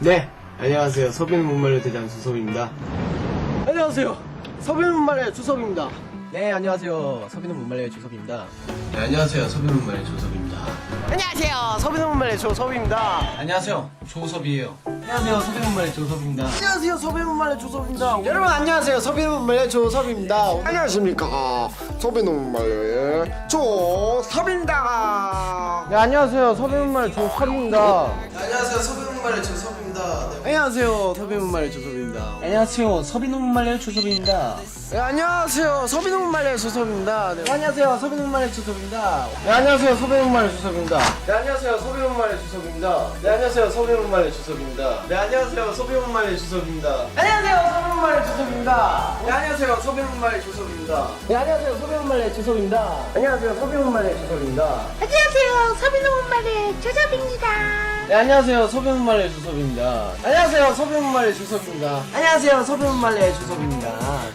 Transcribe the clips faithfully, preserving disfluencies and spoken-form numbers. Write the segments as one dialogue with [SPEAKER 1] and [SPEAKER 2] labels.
[SPEAKER 1] 네, 안녕하세요. 서비는 못말려 대장 주섭입니다.
[SPEAKER 2] 안녕하세요. 서비는 못말려의 주섭입니다. 네, 안녕하세요. 서비는 못말려의 주섭입니다.
[SPEAKER 1] 네, 안녕하세요. 서비는 못말려 조섭입니다.
[SPEAKER 2] 안녕하세요. 서비는 못말려의 조섭입니다.
[SPEAKER 1] 안녕하세요. 조섭이에요.
[SPEAKER 2] 안녕하세요. 서비는 못말려의 조섭입니다. 안녕하세요. 서비는 못말려의 조섭입니다.
[SPEAKER 1] 여러분 안녕하세요. 서비는 못말려 조섭입니다.
[SPEAKER 3] 안녕하십니까 소비노 말려의 조섭입니다.
[SPEAKER 2] 네, 안녕하세요. 서비는 못말려의 조섭입니다.
[SPEAKER 1] 안녕하세요. 서비는 못말려 조섭입니다. 네.
[SPEAKER 2] 안녕하세요. 서비는 못말려의 조섭입니다.
[SPEAKER 4] 안녕하세요. 서비는 못말려의 조섭입니다.
[SPEAKER 2] 네, 안녕하세요. 서비는 못말려의 조섭입니다. 네, 안녕하세요. 서비는 못말려의 조섭입니다. 네, 안녕하세요. 서비는 못말려의 조섭입니다. 네, 안녕하세요. 서비는 못말려의 조섭입니다. 네, 안녕하세요. 서비는 못말려의 조섭입니다. 네, 안녕하세요. 서비는 못말려의 조섭입니다. 안녕하세요. 서비는 못말려의 조섭입니다. 네, 안녕하세요. 서비는 못말려의 조섭입니다. 네, 안녕하세요. 서비는 못말려의 조섭입니다. 안녕하세요. 서비는 못말려의 조섭입니다.
[SPEAKER 5] 안녕하세요. 서비는 못말려의 조섭입니다.
[SPEAKER 2] 네, 안녕하세요. 서비는 못말려의 조섭입니다. 안녕하세요. 서비는 못말려의 조섭입니다. 안녕하세요. 서비는 못말려의 조섭입니다.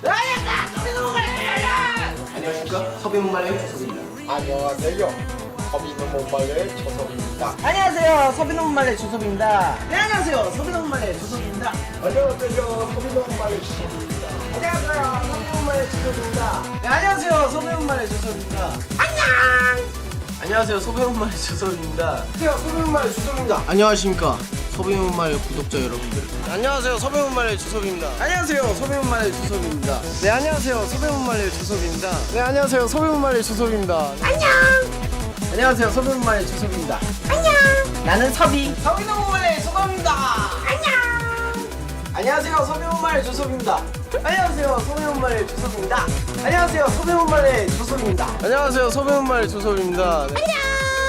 [SPEAKER 2] 안녕하십니까? 서비는 못말려의 조섭입니다.
[SPEAKER 3] 안녕하세요 소비노 말려의 조섭입니다.
[SPEAKER 2] 안녕하세요. 서비는 못말려의 조섭입니다. 네, 안녕하세요. 서비는 못말려의 조섭입니다.
[SPEAKER 3] 안녕하세요 소비노 말려의 조섭입니다.
[SPEAKER 2] 안녕하세요. 서비는 못말려의 조섭입니다. 네, 안녕하세요. 서비는 못말려의 조섭입니다. 안녕. 안녕하세요. 서비는 못말려의 조섭입니다. 안녕하세요. 서비는 못말려의 조섭입니다. 안녕하십니까? 서비는 못말려의 구독자 여러분들. 안녕하세요. 서비는 못말려의 조섭입니다. 안녕하세요. 서비는 못말려의 조섭입니다. 네, 안녕하세요. 서비는 못말려의 조섭입니다. 네, 안녕하세요. 서비는 못말려의 조섭입니다.
[SPEAKER 5] 안녕.
[SPEAKER 2] 안녕하세요. 서비는 못말려의 조섭입니다.
[SPEAKER 5] 안녕.
[SPEAKER 2] 나는 서비. 서비는 못말려의 조섭입니다.
[SPEAKER 5] 안녕.
[SPEAKER 2] 안녕하세요. 서비는 못말려의 조섭입니다. 안녕하세요. 서비는 못말려의 조섭입니다. 안녕하세요. 서비는 못말려의 조섭입니다. 안녕하세요. 서비는 못말려의 조섭입니다. 네.
[SPEAKER 5] 안녕.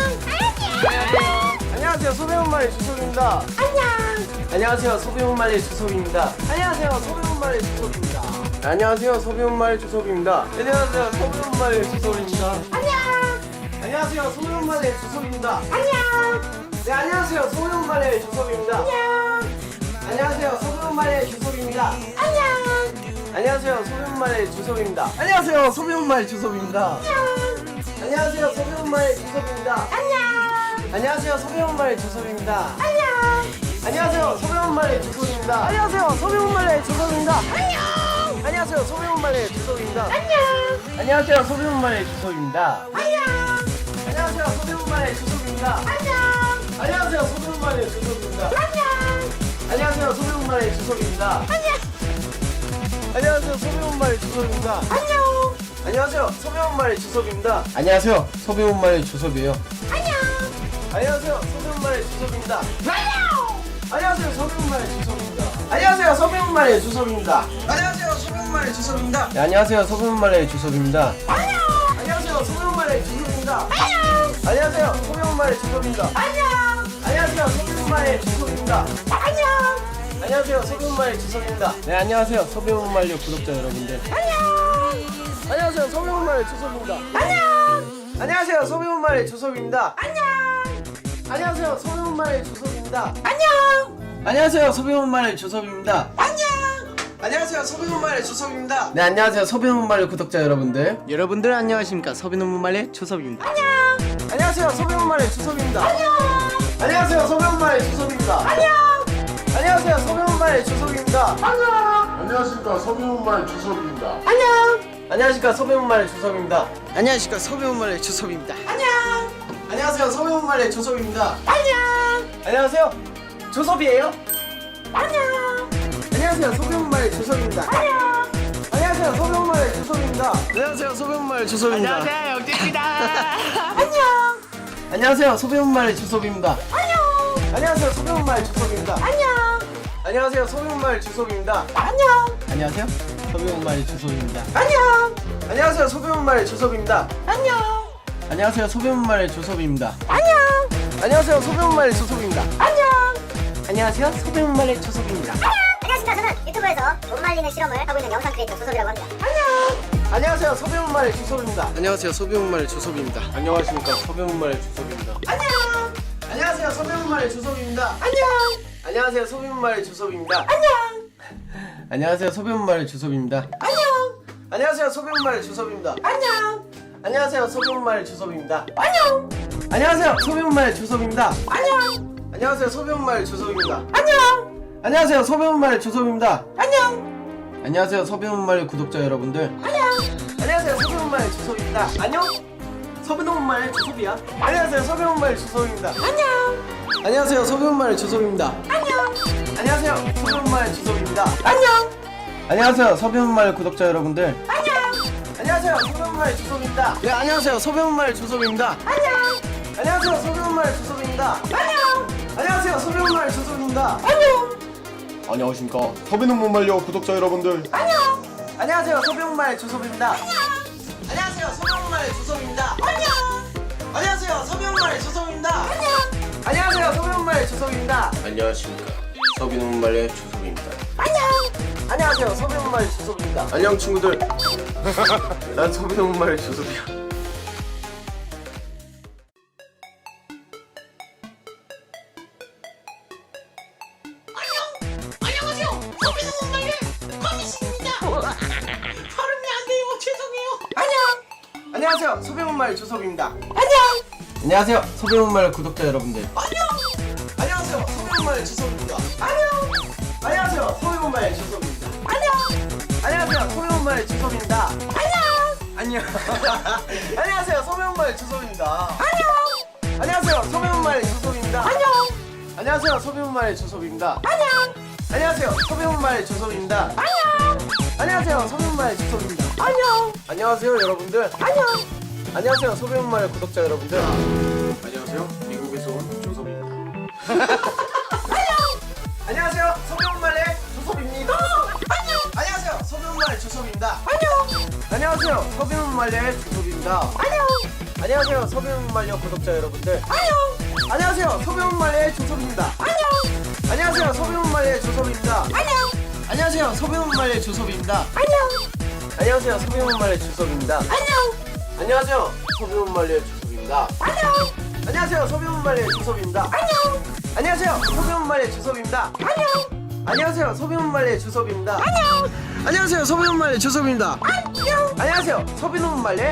[SPEAKER 2] 안녕하세요. 서비는 못말려의 조섭입니다.
[SPEAKER 5] 안녕.
[SPEAKER 2] 안녕하세요. 서비는 못말려의 조섭입니다. 안녕하세요. 서비는 못말려의 조섭입니다. 안녕하세요. 서비는 못말려의 조섭입니다. 안녕하세요. 서비는 못말려의 조섭입니다.
[SPEAKER 5] 안녕.
[SPEAKER 2] 안녕하세요. 서비는 못말려의 조섭입니다.
[SPEAKER 5] 안녕.
[SPEAKER 2] 네, 안녕하세요. 서비는 못말려의 조섭입니다.
[SPEAKER 5] 안녕.
[SPEAKER 2] 안녕하세요. 서비는 못말려의 조섭입니다.
[SPEAKER 5] 안녕.
[SPEAKER 2] 안녕하세요. 소비는 말의 주섭입니다. 안녕하세요. 소비는 말의 주섭입니다. 안녕하세요. 소비는 말의 주섭입니다.
[SPEAKER 5] 안녕.
[SPEAKER 2] 안녕하세요. 소비는 말의 주섭입니다.
[SPEAKER 5] 안녕.
[SPEAKER 2] 안녕하세요. 소비는 말의 주섭입니다. 안녕하세요. 소비는 말의 주섭입니다.
[SPEAKER 5] 안녕.
[SPEAKER 2] 안녕하세요. 소비는 말의 주섭입니다.
[SPEAKER 5] 안녕.
[SPEAKER 2] 안녕하세요. 소비는 말의 주섭입니다.
[SPEAKER 5] 안녕.
[SPEAKER 2] 안녕하세요. 소비는 말의 주섭입니다.
[SPEAKER 5] 안녕.
[SPEAKER 2] 안녕하세요. 소비는 말의 주섭입니다.
[SPEAKER 5] 안녕.
[SPEAKER 2] 안녕하세요. 소비는 말의 주섭입니다.
[SPEAKER 5] 안녕.
[SPEAKER 2] 안녕하세요. 소비는 말의 주섭입니다.
[SPEAKER 5] 안녕.
[SPEAKER 2] 안녕하세요. 소비는 말의 주섭입니다. 안녕하세요. 소비는 말의 주섭이에요.
[SPEAKER 5] 안녕.
[SPEAKER 2] 안녕하세요. 소비문말의 주섭입니다.
[SPEAKER 5] 안녕.
[SPEAKER 2] 안녕하세요. 소비문말의 주섭입니다. 안녕하세요. 소비문말의 주섭입니다. 안녕하세요. 소비문말의 주섭입니다. 네, 안녕하세요. 소비문말의 주섭입니다.
[SPEAKER 5] 안녕.
[SPEAKER 2] 안녕하세요. 소비문말의 주섭입니다.
[SPEAKER 5] 안녕.
[SPEAKER 2] 안녕하세요. 소비문말의 주섭입니다.
[SPEAKER 5] 안녕.
[SPEAKER 2] 안녕하세요. 소비문말의 주섭입니다.
[SPEAKER 5] 안녕.
[SPEAKER 2] 안녕하세요. 소비문말의 주섭입니다. 네, 안녕하세요. 소비문말의 구독자 여러분들.
[SPEAKER 5] 안녕.
[SPEAKER 2] 안녕하세요. 소비문말의 주섭입니다.
[SPEAKER 5] 안녕.
[SPEAKER 2] 안녕하세요. 소비문말의 주섭입니다.
[SPEAKER 5] 안녕.
[SPEAKER 2] 안녕하세요. 소비문말의 주섭입니다.
[SPEAKER 5] 안녕.
[SPEAKER 2] 안녕하세요. 소비문말의 주섭입니다.
[SPEAKER 5] 안녕.
[SPEAKER 2] 안녕하세요. 서비논말의 주섭입니다. 네, 안녕하세요. 서비논말의 구독자 여러분들. 여러분들 안녕하십니까? 서비논말의 주섭입니다.
[SPEAKER 5] 안녕.
[SPEAKER 2] 안녕하세요. 서비논말의 주섭입니다.
[SPEAKER 5] 안녕.
[SPEAKER 2] 안녕하세요. 서비논말의 주섭입니다.
[SPEAKER 5] 안녕.
[SPEAKER 2] 안녕하세요. 서비논말의 주섭입니다.
[SPEAKER 5] 안녕.
[SPEAKER 3] 안녕하십니까 소비노 주섭입니다.
[SPEAKER 5] 안녕.
[SPEAKER 2] 안녕하십니까? 서비논말의 주섭입니다. 안녕하십니까? 서비논말의 주섭입니다.
[SPEAKER 5] 안녕.
[SPEAKER 2] 안녕하세요. 서비논말의 주섭입니다.
[SPEAKER 5] 안녕.
[SPEAKER 2] 안녕하세요. 조섭이에요?
[SPEAKER 5] 안녕.
[SPEAKER 2] 안녕하세요. 서비논말의 주섭입니다.
[SPEAKER 5] 안녕.
[SPEAKER 2] 안녕하세요. 서비논말의 주섭입니다. 안녕하세요. 서비논말의 주섭입니다.
[SPEAKER 5] 안녕하세요. 영재입니다. 안녕.
[SPEAKER 2] 안녕하세요. 소비문말의 주섭입니다.
[SPEAKER 5] 안녕.
[SPEAKER 2] 안녕하세요. 소비문말의 주섭입니다.
[SPEAKER 5] 안녕.
[SPEAKER 2] 안녕하세요. 소비문말의 주섭입니다.
[SPEAKER 5] 안녕.
[SPEAKER 2] 안녕하세요. 소비문말의 주섭입니다.
[SPEAKER 5] 안녕.
[SPEAKER 2] 안녕하세요. 소비문말의 주섭입니다.
[SPEAKER 5] 안녕.
[SPEAKER 2] 안녕하세요. 소비문말의 주섭입니다.
[SPEAKER 5] 안녕.
[SPEAKER 2] 안녕하세요. 소비문말의 주섭입니다.
[SPEAKER 5] 안녕.
[SPEAKER 2] 안녕하세요. 소비문말의 주섭입니다.
[SPEAKER 6] 안녕하십니까. 저는 유튜브에서 못 말리는 실험을 하고 있는 영상 크리에이터 조섭이라고 합니다.
[SPEAKER 5] 안녕.
[SPEAKER 2] 안녕하세요. 소비문말의 주섭입니다. 안녕하세요. 소비문말의 주섭입니다. 안녕하십니까. 소비문말의 주섭입니다.
[SPEAKER 5] 안녕.
[SPEAKER 2] 안녕하세요. 소비문말의 주섭입니다.
[SPEAKER 5] 안녕.
[SPEAKER 2] 안녕하세요. 소비문말의 주섭입니다.
[SPEAKER 5] 안녕.
[SPEAKER 2] 안녕하세요. 소비문말의 주섭입니다.
[SPEAKER 5] 안녕.
[SPEAKER 2] 안녕하세요. 소비문말의 주섭입니다.
[SPEAKER 5] 안녕.
[SPEAKER 2] 안녕하세요. 소비문말의 주섭입니다.
[SPEAKER 5] 안녕.
[SPEAKER 2] 안녕하세요. 소비문말의 주섭입니다.
[SPEAKER 5] 안녕.
[SPEAKER 2] 안녕하세요, 서비온말 조섭입니다.
[SPEAKER 5] 안녕.
[SPEAKER 2] 안녕하세요, 서비온말 조섭입니다.
[SPEAKER 5] 안녕.
[SPEAKER 2] 안녕하세요, 서비온말 구독자 여러분들.
[SPEAKER 5] 안녕.
[SPEAKER 2] 안녕하세요, 서비온말 조섭입니다. 안녕. 서비온말 조섭이야. 안녕하세요, 서비온말 조섭입니다.
[SPEAKER 5] 안녕.
[SPEAKER 2] 안녕하세요, 서비온말 조섭입니다.
[SPEAKER 5] 안녕.
[SPEAKER 2] 안녕하세요, 서비온말 조섭입니다.
[SPEAKER 5] 안녕.
[SPEAKER 2] 안녕하세요, 서비온말 구독자 여러분들.
[SPEAKER 5] 안녕.
[SPEAKER 2] 안녕하세요, 서비온말 조섭입니다. 네, 안녕하세요, 서비온말 조섭입니다.
[SPEAKER 5] 안녕.
[SPEAKER 2] 안녕하세요, 서비온말 조섭입니다.
[SPEAKER 5] 안녕.
[SPEAKER 2] 안녕하세요, 서비온말 조섭입니다.
[SPEAKER 5] 안녕.
[SPEAKER 3] 안녕하십니까 서비는 못 말려 구독자 여러분들.
[SPEAKER 5] 안녕.
[SPEAKER 2] 안녕하세요, 서비온말 조섭입니다. 안녕하세요, 서비온말 조섭입니다.
[SPEAKER 5] 안녕.
[SPEAKER 2] 안녕하세요, 서비온말 조섭입니다.
[SPEAKER 5] 안녕.
[SPEAKER 2] 안녕하세요, 서비온말 조섭입니다.
[SPEAKER 1] 안녕하십니까. 서비논말의 조섭입니다.
[SPEAKER 5] 안녕.
[SPEAKER 2] 안녕하세요, 서비온말 조섭입니다.
[SPEAKER 1] 안녕 친구들. 난 서비논말의 조섭이야.
[SPEAKER 5] 안녕하세요. 서비는 못 말려 거미씨입니다. 발음이 안 돼요. 죄송해요. 안녕.
[SPEAKER 2] 안녕하세요, 서비온말 조섭입니다.
[SPEAKER 5] 안녕.
[SPEAKER 2] 안녕하세요, 서비온말 구독자 여러분들.
[SPEAKER 5] 안녕.
[SPEAKER 2] 안녕하세요, 서비온말 조섭입니다.
[SPEAKER 5] 안녕.
[SPEAKER 2] 안녕하세요, 서비온말 조섭입니다.
[SPEAKER 5] 안녕.
[SPEAKER 2] 안녕하세요, 서비온말 조섭입니다.
[SPEAKER 5] 안녕.
[SPEAKER 2] 안녕. 안녕하세요, 서비온말 조섭입니다.
[SPEAKER 5] 안녕.
[SPEAKER 2] 안녕하세요, 서비온말 조섭입니다.
[SPEAKER 5] 안녕.
[SPEAKER 2] 안녕하세요, 서비온말 조섭입니다.
[SPEAKER 5] 안녕.
[SPEAKER 2] 안녕하세요, 서비온말 조섭입니다.
[SPEAKER 5] 안녕.
[SPEAKER 2] 안녕하세요, 서비온말 조섭입니다.
[SPEAKER 5] 안녕.
[SPEAKER 2] 안녕하세요, 여러분들.
[SPEAKER 5] 안녕.
[SPEAKER 2] 안녕하세요, 서비온말 구독자 여러분들.
[SPEAKER 1] 안녕하세요. 미국에서 온 조섭입니다.
[SPEAKER 2] 안녕하세요, 서비온말의 조섭입니다.
[SPEAKER 5] 안녕.
[SPEAKER 2] 안녕하세요, 서비온말 조섭입니다.
[SPEAKER 5] 안녕.
[SPEAKER 2] 안녕하세요, 서비온말의 조섭입니다.
[SPEAKER 5] 안녕.
[SPEAKER 2] 안녕하세요, 서비온말의 구독자 여러분들.
[SPEAKER 5] 안녕.
[SPEAKER 2] 안녕하세요, 서비온말의 조섭입니다.
[SPEAKER 5] 안녕.
[SPEAKER 2] 안녕하세요, 서비온말의 조섭입니다.
[SPEAKER 5] 안녕.
[SPEAKER 2] 안녕하세요, 서비온말의 조섭입니다.
[SPEAKER 5] 안녕.
[SPEAKER 2] 안녕하세요, 서비온말의 조섭입니다.
[SPEAKER 5] 안녕.
[SPEAKER 2] 안녕하세요, 서비온말의 조섭입니다.
[SPEAKER 5] 안녕.
[SPEAKER 2] 안녕하세요, 서비온말의 조섭입니다.
[SPEAKER 5] 안녕.
[SPEAKER 2] 안녕하세요, 서비온말의 조섭입니다.
[SPEAKER 5] 안녕.
[SPEAKER 2] 안녕하세요, 서비온말의 조섭입니다.
[SPEAKER 5] 안녕.
[SPEAKER 2] 안녕하세요, 서비온말의 조섭입니다.
[SPEAKER 5] 안녕.
[SPEAKER 2] 안녕하세요, 서비논말의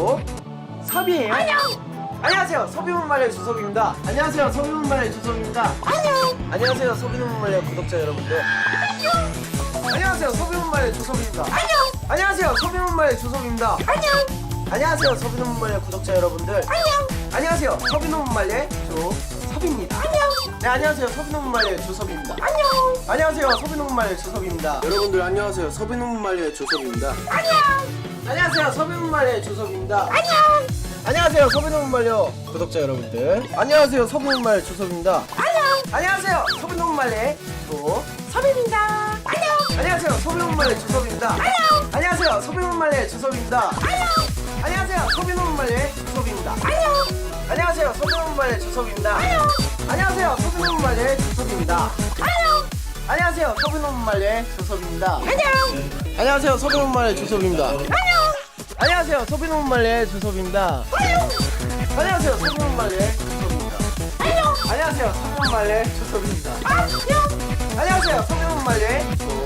[SPEAKER 2] 조섭이에요.
[SPEAKER 5] 안녕.
[SPEAKER 2] 안녕하세요, 서비논말의 조섭입니다. 안녕하세요, 서비논말의 조섭입니다.
[SPEAKER 5] 안녕.
[SPEAKER 2] 안녕하세요, 서비논말의 구독자 여러분들.
[SPEAKER 5] 안녕.
[SPEAKER 2] 안녕하세요, 서비논말의 조섭입니다.
[SPEAKER 5] 안녕.
[SPEAKER 2] 안녕하세요, 서비논말의 조섭입니다.
[SPEAKER 5] 안녕.
[SPEAKER 2] 안녕하세요, 서비논말의 구독자 여러분들.
[SPEAKER 5] 안녕.
[SPEAKER 2] 안녕하세요, 서비논말의 조섭입니다.
[SPEAKER 5] 안녕.
[SPEAKER 2] 네, 안녕하세요, 서비논말의 조섭입니다.
[SPEAKER 5] 안녕.
[SPEAKER 2] 안녕하세요, 서비논말의 조섭입니다.
[SPEAKER 1] 여러분들 안녕하세요. 서비논말의 조섭입니다.
[SPEAKER 5] 안녕.
[SPEAKER 2] 안녕하세요, 서비논말의 조섭입니다.
[SPEAKER 5] 안녕.
[SPEAKER 2] 안녕하세요, 서비논말의 구독자 여러분들. 안녕하세요, 서비논말 조섭입니다.
[SPEAKER 5] 안녕.
[SPEAKER 2] 안녕하세요, 서비논말의 조섭입니다.
[SPEAKER 5] 안녕.
[SPEAKER 2] 안녕하세요, 서비논말의 조섭입니다.
[SPEAKER 5] 안녕.
[SPEAKER 2] 안녕하세요, 서비논말의 조섭입니다.
[SPEAKER 5] 안녕.
[SPEAKER 2] 안녕하세요, 서비논말의 조섭입니다.
[SPEAKER 5] 안녕.
[SPEAKER 2] 안녕하세요, 서비논말의 조섭입니다.
[SPEAKER 5] 안녕.
[SPEAKER 2] 안녕하세요, 서비논말의 조섭입니다.
[SPEAKER 5] 안녕.
[SPEAKER 2] 안녕하세요, 서비논말의 조섭입니다.
[SPEAKER 5] 안녕.
[SPEAKER 2] 안녕하세요, 서비논말의 조섭입니다.
[SPEAKER 5] 안녕.
[SPEAKER 2] 안녕하세요, 서비논말의 조섭입니다.
[SPEAKER 5] 안녕.
[SPEAKER 2] 안녕하세요, 서비논말의 조섭입니다.
[SPEAKER 5] 안녕.
[SPEAKER 2] 안녕하세요, 서비논말의 조섭입니다.
[SPEAKER 5] 안녕.
[SPEAKER 2] 안녕하세요, 서비논말의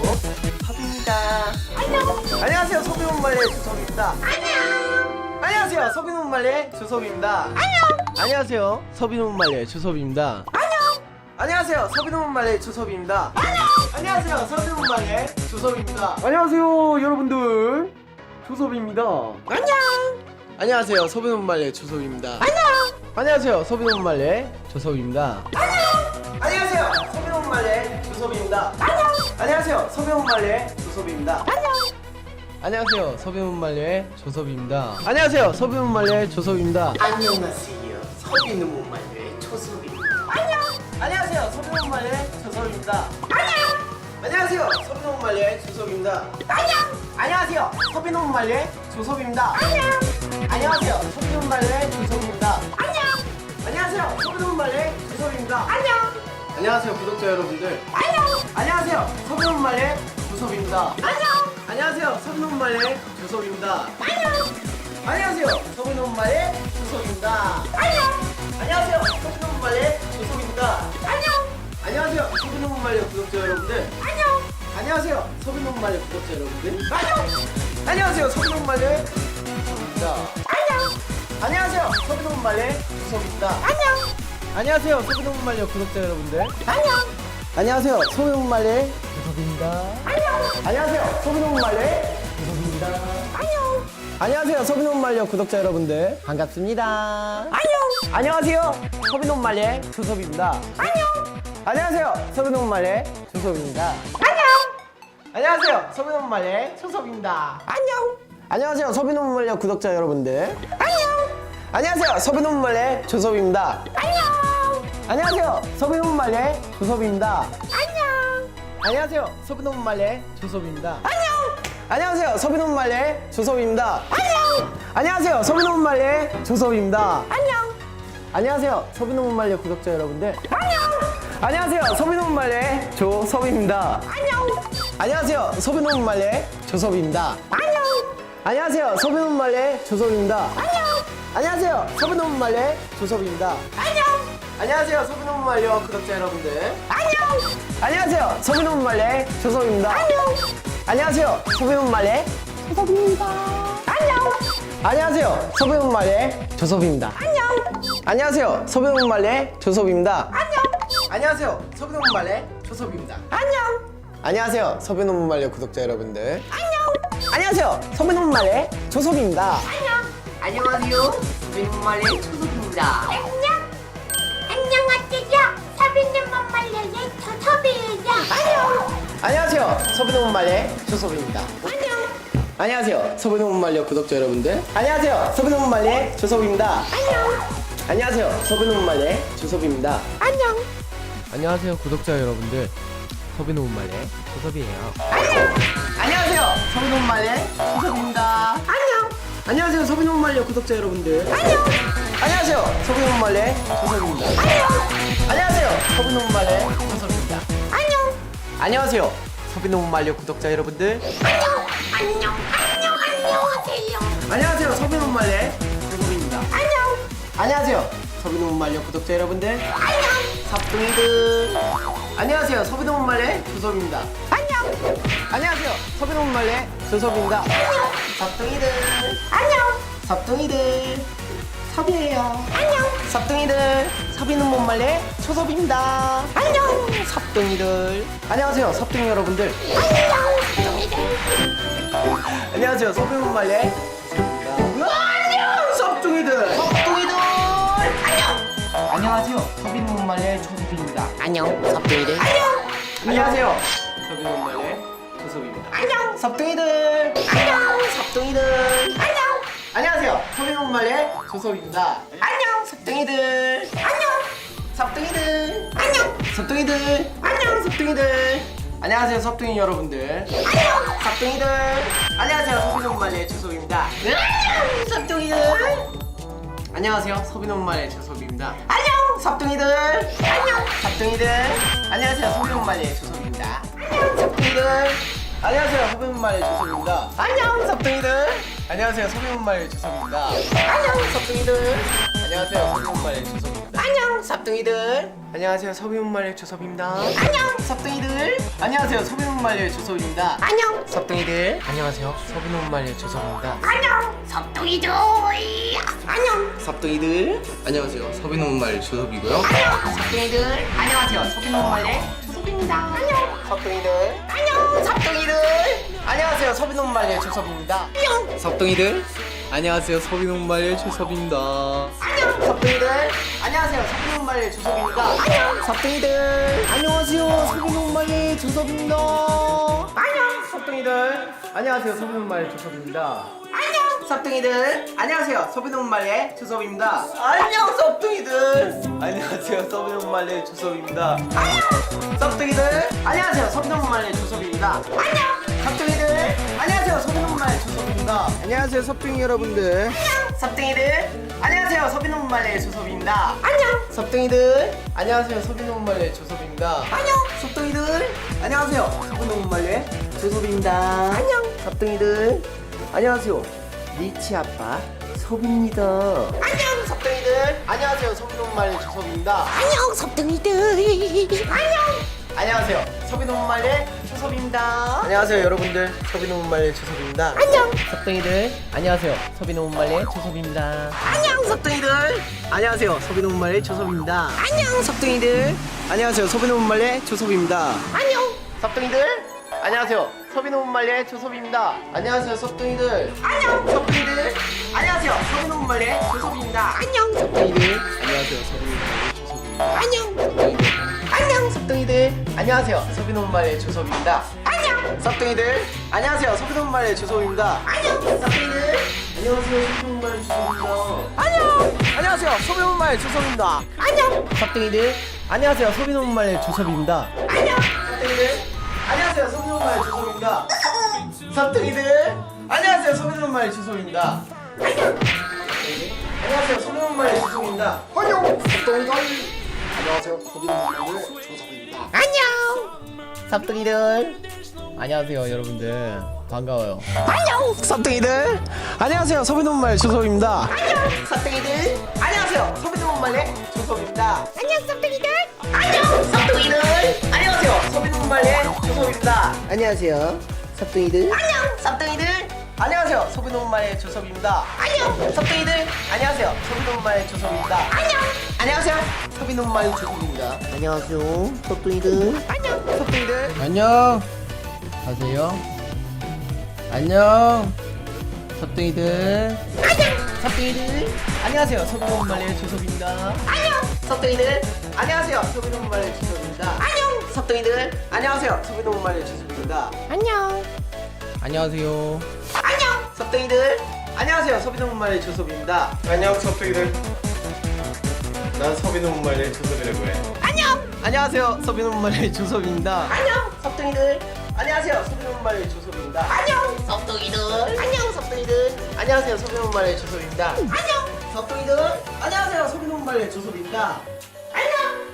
[SPEAKER 2] 조섭입니다.
[SPEAKER 5] 안녕.
[SPEAKER 2] 안녕하세요, 서비논말의 조섭입니다.
[SPEAKER 5] 안녕.
[SPEAKER 2] 안녕하세요, 서비논말의 조섭입니다.
[SPEAKER 5] 안녕.
[SPEAKER 2] 안녕하세요, 서비논말의 조섭입니다.
[SPEAKER 5] 안녕.
[SPEAKER 2] 안녕하세요, 서비논말의 조섭입니다.
[SPEAKER 5] 안녕.
[SPEAKER 2] 안녕하세요, 서비논말의 조섭입니다. 안녕하세요, 여러분들. 조섭입니다.
[SPEAKER 5] 안녕.
[SPEAKER 2] 안녕하세요, 서비논말의 조섭입니다.
[SPEAKER 5] 안녕.
[SPEAKER 2] 안녕하세요, 서비논말의 조섭입니다.
[SPEAKER 5] 안녕.
[SPEAKER 2] 안녕하세요, 서비논말의 조섭입니다.
[SPEAKER 5] 안녕.
[SPEAKER 2] 안녕하세요, 서비논말의 조섭입니다.
[SPEAKER 5] 안녕.
[SPEAKER 2] 안녕하세요, 서비논말의 조섭입니다. 안녕하세요, 서비논말의 조섭입니다.
[SPEAKER 1] 안녕하세요. 서비논말의 조섭입니다.
[SPEAKER 5] 안녕.
[SPEAKER 2] 안녕하세요, 서비논말의 조섭입니다.
[SPEAKER 5] 안녕.
[SPEAKER 2] 안녕하세요, 서비논말의 조섭입니다.
[SPEAKER 5] 안녕.
[SPEAKER 2] 안녕하세요, 서비논말의 조섭입니다.
[SPEAKER 5] 안녕.
[SPEAKER 2] 안녕하세요, 서비논말의 조섭입니다.
[SPEAKER 5] 안녕.
[SPEAKER 2] 안녕하세요, 서비논말의 조섭입니다.
[SPEAKER 5] 안녕.
[SPEAKER 2] 안녕하세요, 구독자 여러분들.
[SPEAKER 5] 안녕.
[SPEAKER 2] 안녕하세요, 서비논말의 조섭입니다.
[SPEAKER 5] 안녕.
[SPEAKER 2] 안녕하세요, 서비논말의 조섭입니다.
[SPEAKER 5] 안녕.
[SPEAKER 2] 안녕하세요, 서비논말의 조섭입니다.
[SPEAKER 5] 안녕.
[SPEAKER 2] 안녕하세요, 서비논말의 조섭입니다.
[SPEAKER 5] 안녕.
[SPEAKER 2] 안녕하세요, 서비논말의 구독자 여러분들.
[SPEAKER 5] 안녕.
[SPEAKER 2] 안녕하세요, 서비논말의 구독자 여러분들.
[SPEAKER 5] 안녕.
[SPEAKER 2] 안녕하세요, 서비논말의 조섭입니다.
[SPEAKER 5] 안녕.
[SPEAKER 2] 안녕하세요, 서비논말의 조섭입니다.
[SPEAKER 5] 안녕.
[SPEAKER 2] 안녕하세요, 소비노문말려 구독자 여러분들. 안녕. 안녕하세요, 소비노문말려 조섭입니다. 안녕. 안녕하세요, 소비노문말려 조섭입니다. 안녕. 안녕하세요, 소비노문말려 구독자 여러분들. 반갑습니다. 안녕. 안녕하세요, 소비노문말려 조섭입니다. 안녕. 안녕하세요, 소비노문말려 조섭입니다. 안녕. 안녕하세요, 소비노문말려 조섭입니다. 안녕. 안녕하세요, 소비노문말려 구독자 여러분들. 안녕. 안녕하세요, 소비노문말려 조섭입니다. 안녕. 안녕하세요, 소비노문말려 조섭입니다. 안녕. 안녕하세요, 소비노문말려 조섭입니다. 안녕. 안녕하세요, 소비노문말려 조섭입니다. 안녕. 안녕하세요, 소비노문말려 조섭입니다. 안녕. 안녕하세요, 소비노문말려 구독자 여러분들. 안녕. 안녕하세요, 소비노문말려 조섭입니다. 안녕. 안녕하세요, 소비노문말려 조섭입니다. 안녕. 안녕하세요, 소비노문말려 조섭입니다. 안녕. 안녕하세요, 소비노문말려 조섭입니다. 안녕. 안녕하세요, 소비노문말려 구독자 여러분들. 안녕. 안녕하세요, 소비노문말려 조섭입니다. 안녕. 안녕하세요, 소비노문말려 조섭입니다. 안녕. 안녕하세요, 소비노문말려 조섭입니다. 안녕. 안녕하세요, 소비노문말려 조섭입니다. 안녕. 안녕하세요, 소비노문말려 조섭입니다. 안녕. 안녕하세요, 소비노문말려 구독자 여러분들. 안녕. 안녕하세요, 소비노문말려 조섭입니다. 안녕.
[SPEAKER 1] 안녕하세요. 소비노문말려 조섭입니다.
[SPEAKER 6] 안녕. 안녕하세요. 소비노문말려의 조섭이에요.
[SPEAKER 2] 안녕. 안녕하세요, 소비노문말려 조섭입니다. 안녕. 안녕하세요, 소비노문말려 구독자 여러분들. 안녕하세요, 소비노문말려 조섭입니다. 안녕. 안녕하세요, 소비노문말려 조섭입니다. 안녕. 안녕하세요, 구독자 여러분들. 소비노문말려 조섭이에요. 안녕. 안녕하세요, 소비노문말려 조섭입니다. 안녕. 안녕하세요, 소비노문말려 구독자 여러분들. 안녕. 안녕하세요, 소비노문말려 조섭입니다. 안녕. 안녕하세요, 소비노문말려 조섭입니다. 안녕. 안녕하세요, 소비노문말려 구독자 여러분들.
[SPEAKER 6] 안녕. 안녕. 안녕. 안녕하세요.
[SPEAKER 2] 안녕하세요, 소비노문말려 조섭입니다.
[SPEAKER 6] 안녕.
[SPEAKER 2] 안녕하세요, 소비노문말려 구독자 여러분들.
[SPEAKER 6] 안녕.
[SPEAKER 2] 삽둥이들. 안녕하세요, 소비노문말려 조섭입니다.
[SPEAKER 6] 안녕.
[SPEAKER 2] 안녕하세요, 소비노문말려 조섭입니다. 삽둥이들.
[SPEAKER 6] 안녕.
[SPEAKER 2] 삽둥이들. 섭이에요.
[SPEAKER 6] 안녕.
[SPEAKER 2] 삽둥이들. 소비노문말려 조섭입니다.
[SPEAKER 6] 안녕.
[SPEAKER 2] 삽둥이들. 안녕하세요, 삽둥이 여러분들. 안녕하세요, 소비노문말려 안녕, 삽둥이들. 삽둥이들. 안녕. 안녕하세요, 소비노문말려 조섭입니다.
[SPEAKER 6] 안녕.
[SPEAKER 2] 삽둥이들. 안녕. 안녕하세요, 소비노문말려 조섭입니다.
[SPEAKER 6] 안녕.
[SPEAKER 2] 삽둥이들.
[SPEAKER 6] 안녕.
[SPEAKER 2] 삽둥이들.
[SPEAKER 6] 안녕.
[SPEAKER 2] 안녕하세요, 소비노문말려 조섭입니다.
[SPEAKER 6] 안녕.
[SPEAKER 2] 삽둥이들.
[SPEAKER 6] 안녕.
[SPEAKER 2] 삽둥이들.
[SPEAKER 6] 안녕.
[SPEAKER 2] 삽둥이들. 안녕, 삽둥이들. 안녕하세요, 삽둥이 여러분들. 안녕, 삽둥이들. 안녕하세요, 소비노문말려 조섭입니다. 안녕, 삽둥이들. 안녕하세요, 소비노문말려 조섭입니다. 안녕, 삽둥이들. 안녕, 삽둥이들. 안녕하세요, 소비노문말려 조섭입니다. 안녕, 삽둥이들. 안녕하세요, 소비노문말려 조섭입니다. 안녕, 삽둥이들. 안녕하세요, 소비노문말려 조섭입니다. 안녕, 삽둥이들. 안녕하세요, 소비노문말려 조섭입니다. 안녕, 삽둥이들. 안녕하세요, 소비노문말려 조섭입니다. 안녕, 삽둥이들. 안녕하세요, 소비노문말려 조섭입니다.
[SPEAKER 6] 안녕.
[SPEAKER 2] 삽둥이들. 안녕하세요, 소비노문말려 조섭입니다.
[SPEAKER 6] 안녕. 섭둥이들. 안녕.
[SPEAKER 2] 삽둥이들. 안녕하세요, 소비노문말려 조섭이고요.
[SPEAKER 6] 안녕.
[SPEAKER 2] 삽둥이들. 안녕하세요, 소비노문말려
[SPEAKER 6] 조섭입니다. 안녕.
[SPEAKER 2] 삽둥이들.
[SPEAKER 6] 안녕.
[SPEAKER 2] 삽둥이들. 안녕하세요, 소비노문말려 조섭입니다.
[SPEAKER 6] 안녕.
[SPEAKER 2] 삽둥이들. 안녕하세요, 소비노문말려 조섭입니다.
[SPEAKER 6] 안녕.
[SPEAKER 2] 삽둥이들. 안녕하세요, 소비노문말려 조섭입니다.
[SPEAKER 6] 안녕.
[SPEAKER 2] 삽둥이들. 안녕하세요, 소비노문말려 조섭입니다.
[SPEAKER 6] 안녕.
[SPEAKER 2] 삽둥이들. 안녕하세요, 소비노문말려 조섭입니다.
[SPEAKER 6] 안녕.
[SPEAKER 2] 삽둥이들. 안녕하세요, 소비노문말려 조섭입니다. 안녕, 삽둥이들. 안녕하세요, 소비노문말려 조섭입니다. 안녕. 삽둥이들. 안녕하세요, 소비노문말려 조섭입니다. 안녕. 삽둥이들. 안녕하세요, 소비노문말려 조섭입니다. 안녕하세요, 섭둥이 여러분들. 안녕. 삽둥이들. 안녕하세요, 소비노문말려 조섭입니다.
[SPEAKER 6] 안녕.
[SPEAKER 2] 섭둥이들. 안녕하세요, 소비노문말려 조섭입니다.
[SPEAKER 6] 안녕.
[SPEAKER 2] 섭둥이들. 안녕하세요, 소비노문말려 조섭입니다.
[SPEAKER 6] 안녕.
[SPEAKER 2] 섭둥이들. 안녕하세요, 리치 아빠 섭입니다.
[SPEAKER 6] 안녕.
[SPEAKER 2] 섭둥이들. 안녕하세요, 소비노문말려 조섭입니다.
[SPEAKER 6] 안녕. 섭둥이들. 안녕.
[SPEAKER 2] 안녕하세요, 소비노문말려 조섭입니다.
[SPEAKER 1] 주섭입니다.
[SPEAKER 2] 안녕하세요 여러분들, 서비노문말리의 주섭입니다.
[SPEAKER 5] 안녕.
[SPEAKER 2] 섭등이들 안녕하세요, 서비노문말리의 주섭입니다.
[SPEAKER 5] 안녕.
[SPEAKER 2] 섭등이들 안녕하세요, 서비노문말리의 주섭입니다.
[SPEAKER 5] 안녕.
[SPEAKER 2] 섭등이들 안녕하세요, 서비노문말리의 주섭입니다.
[SPEAKER 5] 안녕.
[SPEAKER 2] 섭등이들 안녕하세요, 서비노문말리의 주섭입니다. 안녕하세요 섭등이들.
[SPEAKER 5] 안녕.
[SPEAKER 2] 섭등이들 안녕하세요, 서비노문말리의 주섭입니다.
[SPEAKER 5] 안녕.
[SPEAKER 2] 섭등이들 안녕하세요, 서비노문말리의 주섭입니다.
[SPEAKER 5] 안녕. 안녕.
[SPEAKER 2] 섭등이들 안녕하세요, 서비노문말리의 주섭입니다.
[SPEAKER 5] 안녕.
[SPEAKER 2] 섭등이들 안녕하세요, 서비노문말리의 주섭입니다.
[SPEAKER 5] 안녕.
[SPEAKER 2] 섭등이들 안녕하세요, 서비노문말리의 주섭입니다.
[SPEAKER 5] 안녕.
[SPEAKER 2] 안녕하세요, 서비노문말리의 주섭입니다.
[SPEAKER 5] 안녕.
[SPEAKER 2] 섭등이들 안녕하세요, 서비노문말리의 주섭입니다.
[SPEAKER 5] 안녕.
[SPEAKER 2] 섭등이들 안녕하세요, 서비노문말리의 주섭입니다. 섭등이들 안녕하세요, 서비노문말리의 주섭입니다.
[SPEAKER 5] 안녕.
[SPEAKER 2] 안녕하세요, 서비노문말리의 주섭입니다.
[SPEAKER 5] 안녕.
[SPEAKER 2] 섭등이들 안녕하세요, 서비노문말리의 주섭입니다.
[SPEAKER 5] 안녕.
[SPEAKER 2] 섭등이들 안녕하세요 여러분들, 반가워요.
[SPEAKER 5] 안녕.
[SPEAKER 2] 섭등이들 안녕하세요, 서비노문말리의 주섭입니다.
[SPEAKER 5] 안녕.
[SPEAKER 2] 섭등이들 안녕하세요, 서비노문말리의 주섭입니다.
[SPEAKER 5] 안녕. 섭등이들. 안녕.
[SPEAKER 2] 섭등이들 안녕하세요, 서비노문말리의 주섭입니다. 안녕하세요 섭등이들.
[SPEAKER 5] 안녕.
[SPEAKER 2] 섭등이들 안녕하세요, 서비노문말리의 주섭입니다.
[SPEAKER 5] 안녕.
[SPEAKER 2] 섭등이들 안녕하세요, 서비노문말리의 주섭입니다.
[SPEAKER 5] 안녕.
[SPEAKER 2] 안녕하세요, 서비노문말리의 주섭입니다. 안녕하세요 섭등이들.
[SPEAKER 5] 안녕.
[SPEAKER 2] 섭등이들 안녕 가세요. 안녕 섭등이들.
[SPEAKER 5] 안녕.
[SPEAKER 2] 섭등이들 안녕하세요, 서비노문말리의 주섭입니다.
[SPEAKER 5] 안녕.
[SPEAKER 2] 섭등이들 안녕하세요, 서비노문말리의 주섭입니다.
[SPEAKER 5] 안녕.
[SPEAKER 2] 섭등이들 안녕하세요, 서비노문말리의 주섭입니다.
[SPEAKER 5] 안녕.
[SPEAKER 2] 안녕하세요
[SPEAKER 5] 안녕.
[SPEAKER 2] 섭등이들 안녕하세요, 서비노문말리의 주섭입니다. 안녕 섭등이들, 난 서비노문말리의 주섭이라고 해.
[SPEAKER 5] 안녕.
[SPEAKER 2] 안녕하세요, 서비노문말리의 주섭입니다.
[SPEAKER 5] 안녕.
[SPEAKER 2] 섭등이들 안녕하세요, 서비노문말리의 주섭입니다.
[SPEAKER 5] 안녕.
[SPEAKER 2] 섭등이들
[SPEAKER 5] 안녕.
[SPEAKER 2] 섭등이들 안녕하세요, 서비노문말리의 주섭입니다.
[SPEAKER 5] 안녕.
[SPEAKER 2] 섭등이들 안녕하세요, 서비노문말리의 주섭입니다.
[SPEAKER 5] 안녕.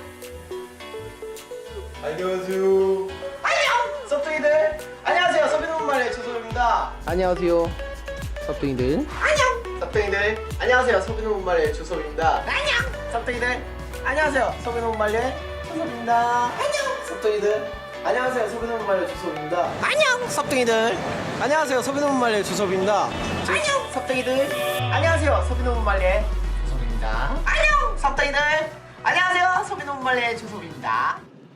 [SPEAKER 2] 안녕하세요
[SPEAKER 5] 안녕.
[SPEAKER 2] 섭등이들 안녕하세요, 서비노문말리의 주섭입니다. 안녕하세요 섭등이들.
[SPEAKER 5] 안녕.
[SPEAKER 2] 섭등이들 안녕하세요, 서비노문말리의 주섭입니다.
[SPEAKER 5] 안녕.
[SPEAKER 2] 섭등이들 안녕하세요, 서비노문말리의 주섭입니다.
[SPEAKER 5] 안녕.
[SPEAKER 2] 섭등이들 안녕하세요, 서비노문말리의 주섭입니다.
[SPEAKER 5] 안녕.
[SPEAKER 2] 섭등이들 안녕하세요, 서비노문말리의 주섭입니다.
[SPEAKER 5] 안녕.
[SPEAKER 2] 섭등이들 안녕하세요, 서비노문말리의 주섭입니다.
[SPEAKER 5] 안녕.
[SPEAKER 2] 섭등이들 안녕하세요, 서비노문말리의 주섭입니다.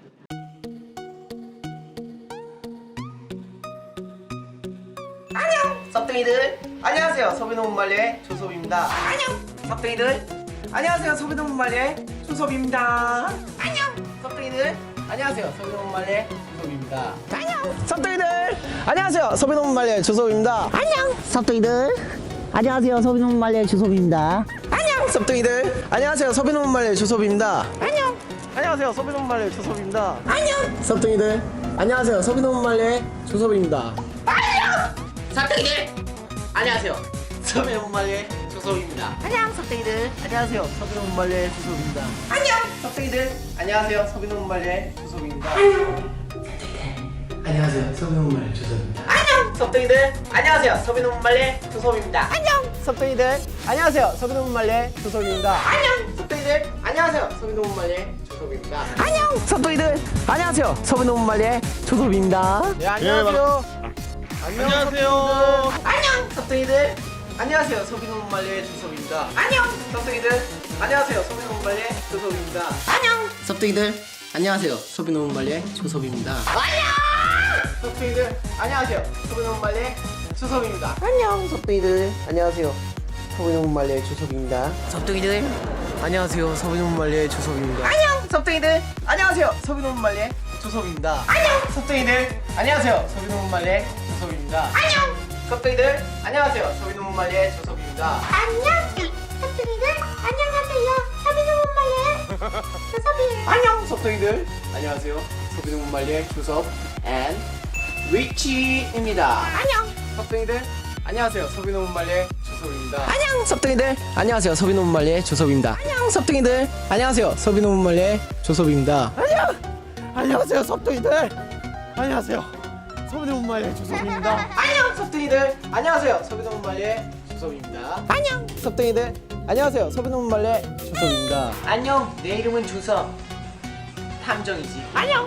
[SPEAKER 5] 안녕.
[SPEAKER 2] 섭등이들 안녕하세요, 서비노문말리의 주섭입니다.
[SPEAKER 5] 안녕.
[SPEAKER 2] 섭등이들 안녕하세요, 서비노문말리의 주섭입니다.
[SPEAKER 5] 안녕.
[SPEAKER 2] 섭등이들 안녕하세요, 서비노문말리의 주섭입니다.
[SPEAKER 5] 안녕.
[SPEAKER 2] 섭등이들 안녕하세요, 서비노문말리의 주섭입니다.
[SPEAKER 5] 안녕.
[SPEAKER 7] 섭등이들 안녕하세요, 서비노문말리의 주섭입니다.
[SPEAKER 5] 안녕.
[SPEAKER 2] 섭등이들 안녕하세요, 서비노문말리의 주섭입니다.
[SPEAKER 5] 안녕.
[SPEAKER 2] 안녕하세요, 서비노문말리의 주섭입니다.
[SPEAKER 5] 안녕.
[SPEAKER 2] 섭등이들 안녕하세요, 서비노문말리의 주섭입니다.
[SPEAKER 5] 안녕.
[SPEAKER 1] 섭등이들 안녕하세요.
[SPEAKER 2] 서비노문말리의 주섭입니다.
[SPEAKER 5] 안녕. 섭등이들.
[SPEAKER 2] 안녕하세요, 서비노문말리의 주섭입니다.
[SPEAKER 5] 안녕.
[SPEAKER 2] 섭등이들 안녕하세요, 서비노문말리의 주섭입니다. 안녕하세요, 서비노문말리의 주섭입니다.
[SPEAKER 5] 안녕.
[SPEAKER 2] 섭등이들 안녕하세요, 서비노문말리의 주섭입니다.
[SPEAKER 5] 안녕.
[SPEAKER 2] 섭등이들 안녕하세요, 서비노문말리의 주섭입니다.
[SPEAKER 5] 안녕.
[SPEAKER 2] 섭등이들 안녕하세요, 서비노문말리의 주섭입니다.
[SPEAKER 5] 안녕.
[SPEAKER 2] 섭등이들 안녕하세요, 서비노문말리의 주섭입니다. 네, 안녕하세요. 안녕하세요.
[SPEAKER 5] 안녕.
[SPEAKER 2] 섭등이들 안녕하세요, 서비노문말리의 주섭입니다.
[SPEAKER 5] 안녕.
[SPEAKER 2] 섭등이들 안녕하세요, 서비노문말리의 주섭입니다.
[SPEAKER 5] 안녕.
[SPEAKER 2] 섭등이들 안녕하세요, 서비노문말리의 주섭입니다. 섭등이들 안녕하세요, 서비노문말리의 주섭입니다.
[SPEAKER 5] 안녕.
[SPEAKER 2] 섭등이들 안녕하세요, 서비노문말리의 주섭입니다. 섭등이들 안녕하세요, 서비노문말리의 주섭입니다.
[SPEAKER 5] 안녕.
[SPEAKER 2] 섭등이들 안녕하세요, 서비노문말리의 주섭입니다.
[SPEAKER 5] 안녕.
[SPEAKER 2] 섭등이들 안녕하세요, 서비노문말리의 주섭입니다.
[SPEAKER 5] 안녕.
[SPEAKER 2] 섭등이들 안녕하세요, 서비노문말리의 주섭입니다.
[SPEAKER 5] 안녕. 섭등이들 안녕하세요. 서비노문말리의 주섭이에요.
[SPEAKER 2] 안녕 섭등이들 안녕하세요, 서비노문말리의 주섭 앤 리치입니다.
[SPEAKER 5] 안녕.
[SPEAKER 2] 섭등이들 안녕하세요, 서비노문말리의 주섭입니다.
[SPEAKER 5] 안녕.
[SPEAKER 2] 섭등이들 안녕하세요, 서비노문말리의 주섭입니다.
[SPEAKER 5] 안녕.
[SPEAKER 2] 섭등이들 안녕하세요, 서비노문말리의 주섭입니다. 안녕 안녕하세요, 섭등이들 안녕하세요, 서비노문말리의 주섭입니다. 안녕 섭등이들 안녕하세요, 서비노문말리의 주섭입니다.
[SPEAKER 5] 안녕.
[SPEAKER 2] 섭등이들 안녕하세요, 서비노문말리의 주섭입니다. 안녕, 내 이름은 주섭 탐정이지.
[SPEAKER 5] 안녕.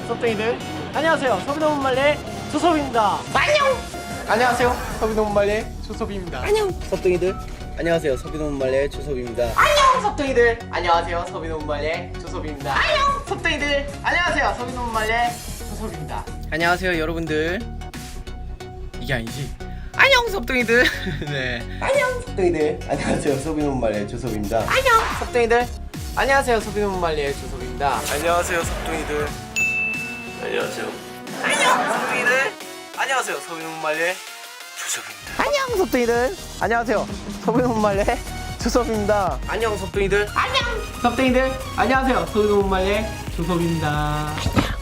[SPEAKER 2] 섭등이들 안녕하세요. 서비노문말레 조섭입니다. 안녕. 안녕하세요. 서비노문말레 조섭입니다. 안녕. 섭등이들 안녕하세요. 서비노문말레 조섭입니다.
[SPEAKER 1] 안녕 섭등이들 안녕하세요 서비노문말레 조섭입니다. 안녕 섭등이들 안녕하세요 서비노문말레 조섭입니다.
[SPEAKER 2] 안녕하세요 여러분들. 이게 아니지. 안녕 섭등이들. 네. 안녕 섭등이들 안녕하세요. 서비노문말레 조섭입니다. 안녕 섭등이들 안녕하세요. 서비노문말레 조섭입니다. 안녕하세요 섭등이들. 안녕하세요. 안녕 섭등이들 안녕하세요. 서비노문말레 조섭입니다. 안녕 섭등이들 안녕하세요. 서비노문말레 조섭입니다. 안녕 섭등이들 안녕 섭등이들 안녕하세요. 서비노문말레 조섭입니다.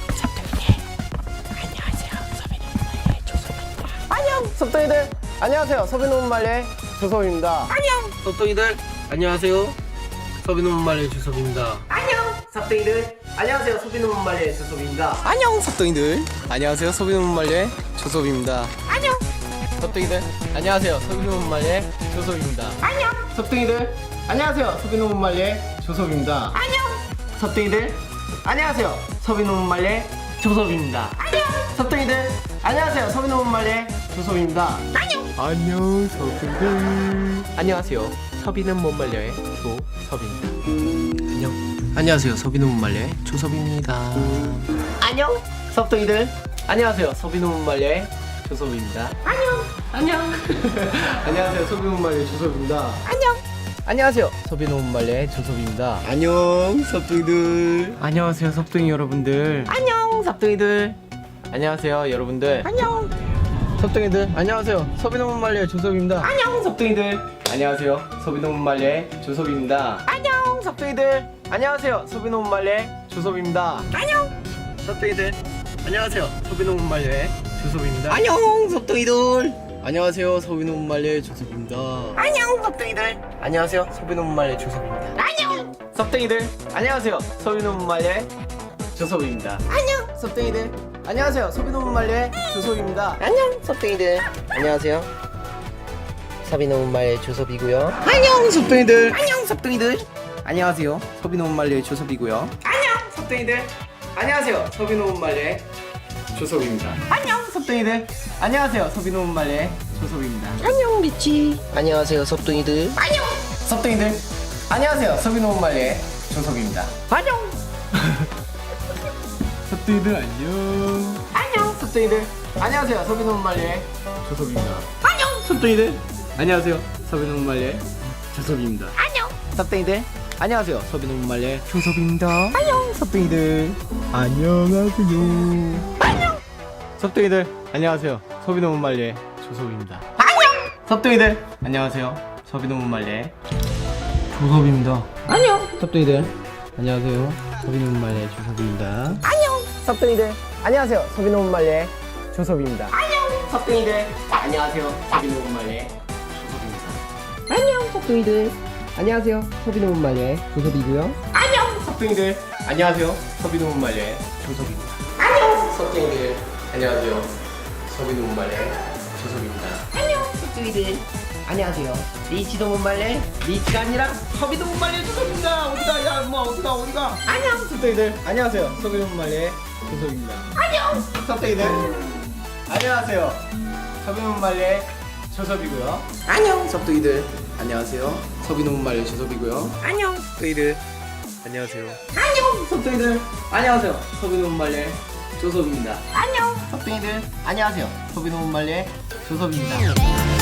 [SPEAKER 2] 안녕 섭등이들 안녕하세요. 서비노문말레 조섭입니다. 안녕 섭등이들 안녕하세요. 서비노문말레 조섭입니다. 안녕 섭등이들 안녕하세요. 서비노문말레 조섭입니다. 안녕 섭등이들 안녕하세요. 서비노문말레 조섭입니다. 안녕 섭등이들 안녕하세요. 서비노문말레 조섭입니다. 안녕 섭등이들 안녕하세요. 서비노문말레 조섭입니다. 안녕 섭등이들 안녕하세요. 서비노문말레 조섭입니다. 안녕 섭등이들 안녕하세요. 서비노문말레 조섭입니다. 안녕 안녕 섭등이들 안녕하세요. 서비는 못 말려의 조섭입니다. 안녕 안녕하세요. 서비는 못 말려의 조섭입니다. 안녕 섭등이들 안녕하세요. 서비는 못 말려의 조섭입니다. 안녕 안녕 안녕하세요. 서비는 못 말려의 조섭입니다. 안녕 안녕하세요. 서비는 못 말려의 조섭입니다. 안녕 섭등이들 안녕하세요. 섭등이 여러분들 안녕 섭등이들 안녕하세요 여러분들 안녕 섭등이들 안녕하세요. 서비노문말레 조섭입니다. 안녕 섭등이들 안녕하세요. 서비노문말레 조섭입니다. 안녕 섭등이들 안녕하세요. 서비노문말레 조섭입니다. 안녕 섭등이들 안녕하세요. 서비노문말레 조섭입니다. 안녕 섭등이들 안녕하세요. 서비노문말레 조섭입니다. 안녕 섭등이들 안녕하세요. 서비노문말레 조섭입니다. 안녕 섭등이들 안녕하세요. 서비노문말레 조섭입니다. 안녕 섭등이들 안녕하세요. 서비노문말레 조섭입니다. 안녕 섭등이들 안녕하세요. 서비노문말레 조섭이고요. 안녕 섭등이들 안녕 섭등이들 안녕하세요. 서비노문말레 조섭이고요. 안녕 섭등이들 안녕하세요. 서비노문말레 조섭입니다. 안녕 섭등이들 안녕하세요. 서비노문말레 조섭입니다. 안녕 미치 안녕하세요. 섭등이들 안녕 섭등이들 안녕하세요. 서비노문말레 조섭입니다. 안녕 섭등이들 안녕 안녕 섭등이들 안녕하세요. 서비노문말레 조섭입니다. 안녕 섭등이들 안녕하세요. 서비노문말레 조섭입니다. 안녕 섭등이들 안녕하세요. 서비노문말레 조섭입니다. 안녕 섭등이들 안녕하세요. 안녕 섭등이들 안녕하세요. 서비노문말레 조섭입니다. 안녕 섭등이들 안녕하세요. 서비노문말레 조섭입니다. 안녕 섭등이들 안녕하세요. 서비노문말레 조섭입니다. 안녕 섭등이들 안녕하세요. 서비노문말레 조섭입니다. 안녕 섭등이들 안녕하세요. 서비노문말레 조섭입니다. 안녕 섭등이들 안녕하세요. 서비노문말레 조섭이고요. 안녕 섭등이들 안녕하세요. 서비노문말레 조섭입니다. 안녕 섭등이들 안녕하세요. 서비노문말레 조섭입니다. 안녕 섭등이들 안녕하세요. 리치도문말레 리치가 아니라 서비노문말레 조섭입니다. 어디가 야 엄마 어디가 어디가 안녕 섭등이들 안녕하세요. 서비노문말레 조섭입니다. 안녕 섭등이들 안녕하세요. 서비노문말레 조섭이고요. 안녕 섭등이들 안녕하세요. 서비노문말레 조섭이고요. 안녕 섭등이들 안녕하세요. 안녕 섭등이들 안녕하세요. 서비노문말레 조섭입니다. 안녕 섭등이들 안녕하세요. 서비노문말레 조섭입니다.